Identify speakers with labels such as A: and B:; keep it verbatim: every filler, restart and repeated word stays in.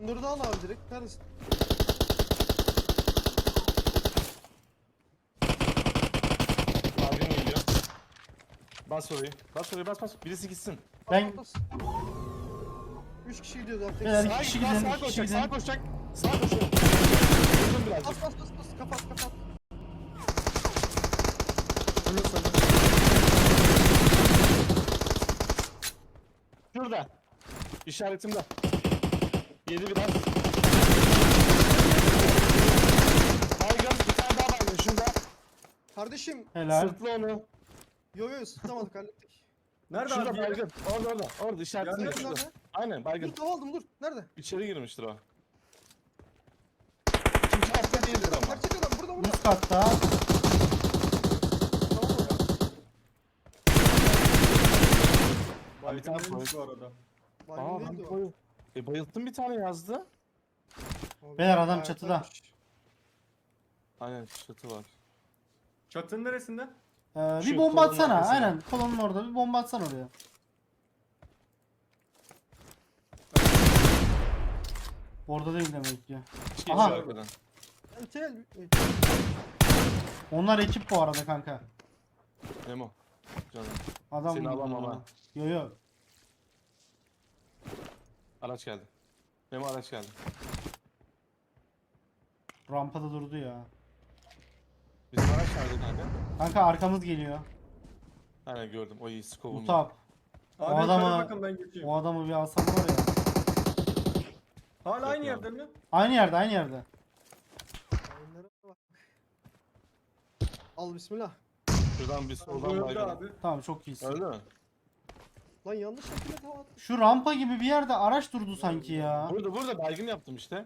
A: Nur'u da al abi direkt. Neredesin?
B: Baygın geliyor. Bas orayı. Bas orayı bas bas. Birisi gitsin.
C: Ben-
A: Bas, bas. Üç kişi gidiyoruz abi. Tek
C: Beyler,
A: sağa
C: iki
B: Sağa
C: kişi
B: git,
C: gidelim,
B: sağa
C: iki kişi
B: koşacak, sağa
C: gidelim.
B: koşacak. Sağa koşacak. Vurdum birazcık.
A: Bas bas bas bas. Kapat kapat.
B: Şurada. İşaretimde. Yedi biraz. Baygın bir tane daha baygın şurada.
A: Kardeşim.
C: Helal.
B: Sırtlı onu.
A: Yo yo tutamadık hallettik.
D: Nerede
B: Şurada
D: abi?
B: baygın. Orada orada. Orada işaretimde
D: Nerede,
B: şurada.
A: nerede?
B: Aynen baygın.
A: Dur tava aldım dur. Nerede?
B: İçeri girmiştir o. İkinci hafta değildir ama.
A: Gerçek adam burada burada.
C: Üst katta.
A: Tamam mı?
B: Bir tane
D: Baygın
B: koy.
D: bu arada.
B: Aa
A: Baygın
B: ben
A: değildi o.
B: koy. E bayılttım bir tane yazdı.
A: Abi,
C: Beyler, adam
A: bayağı
C: çatıda.
A: koymuş.
B: Aynen çatı var.
D: Çatının neresinde?
C: Ee, bir
B: Şu
C: bomba
B: kolonun
C: atsana.
B: arkasına.
C: Aynen. Kolonun orada bir bomba atsana oraya. Orada değil demek ki.
B: Şey
C: Aha.
B: şu arkadan.
A: Ben tel.
C: Onlar ekip bu arada kanka.
B: Memo. Canım.
C: Adam
B: Seni
C: vurdu
B: alamam
C: ya.
B: ha.
C: Yo yo.
B: Araç geldi. Memo araç geldi.
C: Rampada durdu ya.
B: Bizim araç nerede kanka?
C: Kanka arkamız geliyor.
B: Aynen gördüm. O iyi skovum.
C: Utap.
D: Abi
C: O adamı-
D: yukarı bakın ben geçeyim.
C: O adamı bir alsam var ya.
D: Hala aynı
B: Yok
D: yerde mi?
C: Aynı yerde aynı yerde.
A: Oyunlara bak. Al bismillah.
B: Şuradan bir
D: Bu
B: soldan
D: öldü
B: baygın.
D: abi.
C: Tamam çok iyisin.
B: Öldü mü?
A: Lan yanlış şekilde tava attım.
C: Şu rampa gibi bir yerde araç durdu sanki ya.
B: Burada burada baygın yaptım işte.